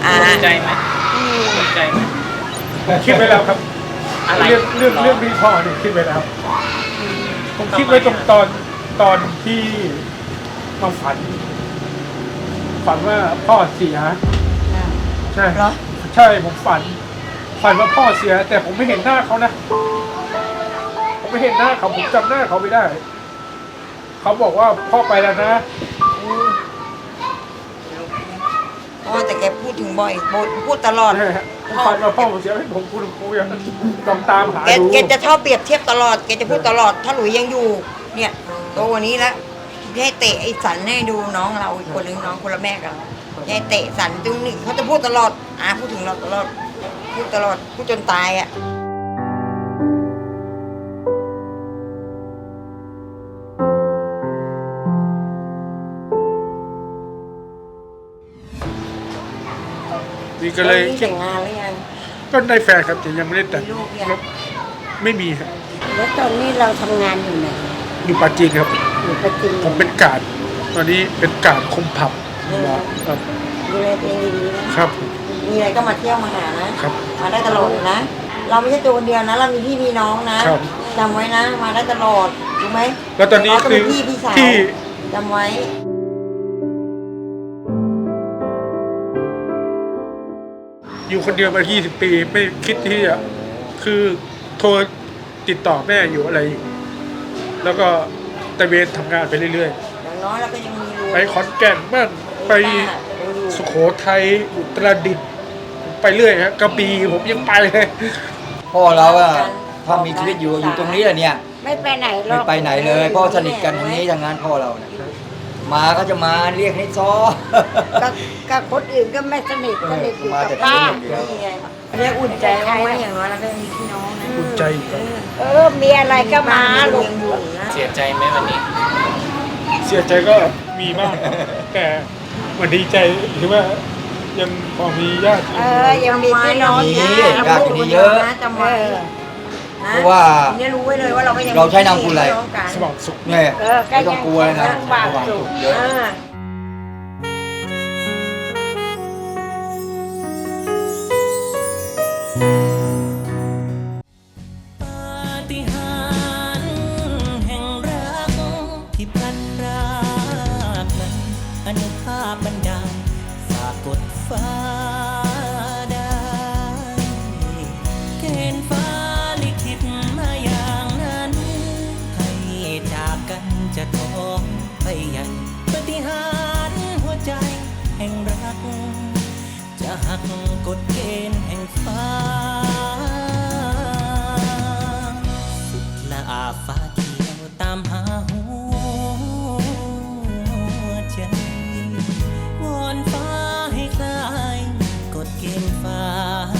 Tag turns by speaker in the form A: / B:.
A: ภูมิใจไหมภูมิใจไหม
B: คิดไว้แล้วครับ
A: อะไร
B: เรื่องพี่พ่อเนี่ยคิดไว้แล้ว ผมคิดไว้ตรงตอนที่มาฝันว่าพ่อเสียใช่
C: เหรอ
B: ใช่ผมฝันว่าพ่อเสีย แต่ผมไม่เห็นหน้าเขานะ ผมไม่เห็นหน้าเขาผมจำหน้าเขาไม่ได้ เขาบอกว่าพ่อไปแล้วนะ
C: พ่อแต่แกพูดถึงบ่อยพูดตลอด
B: ใช่ฮะผมฝันว่าพ่อผมเสียให้ผมพูดยังลองตามหาดู
C: แกจะชอบเปรียบเทียบตลอด แกจะพูดตลอด ถ้าหลุยยังอยู่ เนี่ยโตกวันนี้แล้วให้เตะไอ้สันให้ดูน้องเราอีกคนนึงน้องคนละแม่กันให้เตะสันตรงนี้เขาจะพูดตลอดพูดถึงเราตลอด พูดตลอด พูดจนตายอ่ะ
B: นี่ก็เลย
C: แต่งงานหรือยัง
B: ก็ได้แฟนครับแต่ยังไม่ได้แต่ง
C: มีลูกยัง
B: ไม่มีครับ
D: แล้วตอนนี้เราทำงานอยู่ไหน
B: อยู่ปาจีนครับ
D: อยู่ประจิน
B: ผมเป็นกาดตอนนี้เป็นกาดคุมผับครับ
D: ดูแลตัวเองดีๆนะครับ
C: มีอะไรก็มาเที่ยวมาหานะครับ มาได้ตลอดเลยนะ เราไม่ใช่ตัวคนเดียวนะ เรามีพี่มีน้องนะครับ จำไว้นะ มาได้ตลอดรู้ไหม
B: แล้วตอนนี้
C: เราก็
B: คื
C: เป็
B: อน
C: พี่สาว
B: ที่
C: จำไว้
B: อยู่คนเดียวมา 20 ปีไม่คิดที่จะคือโทรติดต่อแม่อยู่อะไรอยู่ แล้วก็ตะเวนทำงานไปเรื่อย
C: อย่างน้อยเราก็ยังมีรู
B: ๆ ไปขอนแก่นบ้างไปสุโขทัยอุตรดิตถ์ไปเรื่อยฮะกระบี่ผมยังไปเลย
E: พ่อเราอะถ้ามีชีวิตอยู่ตรงนี้แหละเนี่ย
D: ไม่ไปไหนหร
E: ไม่
D: อก
E: ไปไหนเลยพ่อสนิทกันทางนี้ทางนั้นพ่อเราเนี่ยมาก็จะมาเรียกให้ซ้อ
D: กับคนอื่นก็ไม่สนิทสนิทอยู่
E: มา
D: กับ
E: แต่
D: ป้า
E: ที่เดียว
C: นี่ไงเรียกอุ่นใจบ้างไหมอย่างน้อยเราก็มีพี่น้องนะ
B: อุ่นใจครับ
D: มีอะไรก็มา
C: ลู
D: ลู
C: ก
D: ก
C: ยังอยู่นะ
A: เสียใจไหมวันนี้
B: เสียใจก็มีบ้างครับแต่มันดีใจที่ว่ายังพอมีญาติ
D: ยังมีพี่น้อง
E: มี
D: นะ
E: ญาติอยู่นี่เยอะ
C: จำไว้นะ
E: เพราะว่า
C: เนี่ยรู้ไว้เลยว่าเราก็ยัง
E: เราใช้นามคุณอะไร
C: พี่น้องกัน
B: สว่างสุข
E: เนี่ย
D: ก็
E: ไม่ต้องกลัวเลยนะ
D: ยังบาป
E: ระวัง
D: อยู่
E: เยอะ
F: ปาฏิหาริย์แห่งรักที่พลันพรากนั้นอนุภาพบันดาลฝากกดฟ้าได้เกณฑ์ฟ้าลิขิตมาอย่างนั้นให้จากกันจะท้องไปใหญ่ปาฏิหาริย์หัวใจแห่งรักจะหักกฎเกณฑ์แห่งฟ้า สุดละอาฟ้าเขียวตามหาหัวใจวอนฟ้าให้คลายกฎเกณฑ์ฟ้า